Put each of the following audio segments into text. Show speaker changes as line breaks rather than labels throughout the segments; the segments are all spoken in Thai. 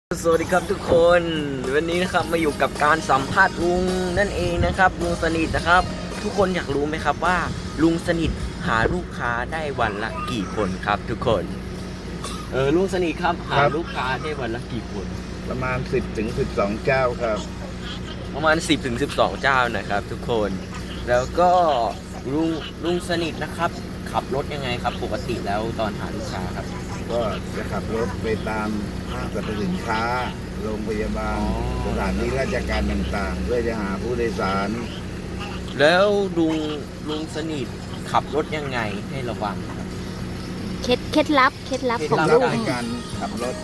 สวัสดีครับทุกคนวันนี้นะครับมาอยู่กับการสัมภาษณ์ลุงนั่นเองนะครับลุงสนิทนะครับทุกคนอยากรู้ไหมครับว่าลุงสนิทหาลูกค้าได้วันละกี่คนครับทุกคนลุงสนิทครับหาลูกค้าได้วันละกี่คน
ประมาณ10 ถึง 12 เจ้าครับ
ประมาณ10 ถึง 12 เจ้านะครับทุกคนแล้วก็ลุงสนิทนะครับขับรถยังไงครับปกติแล้วตอนหาลูกค้าครับ
ก็จะขับรถไปตามห้างสรรพสินค้าโรงพยาบาลสถานที่ราชการต่างๆเพื่อจะหาผู้โดยสาร
แล้วลุงสนิทขับรถยังไงให้ระวังครับ
เคล็ดลับของ
รั
ลู
บ
ก
ในการขับรถ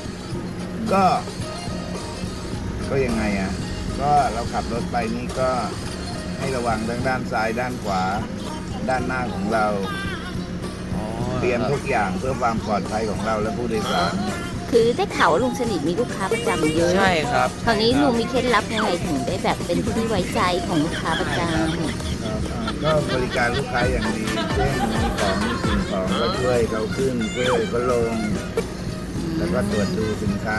ก็ยังไงอ่ะก็เราขับรถไปนี่ก็ให้ระวังทั้งด้านซ้ายด้านขวาด้านหน้าของเราเตรียมทุกอย่างเพื่อความปลอดภัยของเราและผู้โดยสาร
คือได้ข่าวว่าลุงสนิทมีลูกค้าประจำเยอะ
ใช่ครับ
คราวนี้ลุงมีเคล็ดลับยังไงถึงได้แบบเป็นที่ไว้ใจของลูกค้าประจ
ก็บริการลูกค้าอย่างดีเช่นมีของมีสิ่งของก็ช่วยเขาขึ้นช่วยเขาลง
ำ
แล้วก็ตรวจดูสินค้า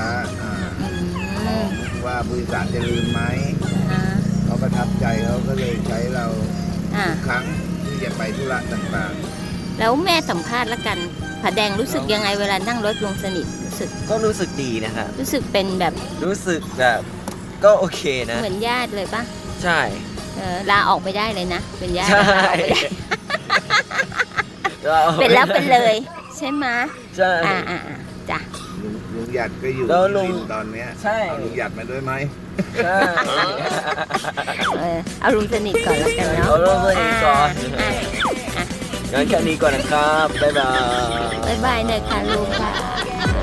ว่าผู้โดยสารจะลืมไหมเขาประทับใจเขาก็เลยใช้เราทุกครั้งที่จะไปธุระต่างๆ
แล้วแม่สัมภาษณ์แล้วกันผาแดงรู้สึกยังไงเวลานั่งรถลุงสนิท
รู้สึกดีนะครับ
รู้สึกเป็นแบบ
รู้สึกแบบก็โอเคนะ
เหมือนญาติเลยปะ
ใช่
ลาออกไปได้เลยนะเป็นญาติ
ใช่
เป็นแล้วเป็นเลยใช่ไหม
ใช่
จ้ะ
ลุงหยัดก็อยู่ที่ตอนนี้
ใช่
ลุงหยัดมาด้วยไหม
ใช่
เอาลุงสนิทก่อนแล้วกันเนาะ
เอาลุงสนิทก่อนงั้นแค่นี้ก่อนนะครับบ๊ายบาย
หน่อยค่ะลุงค่ะ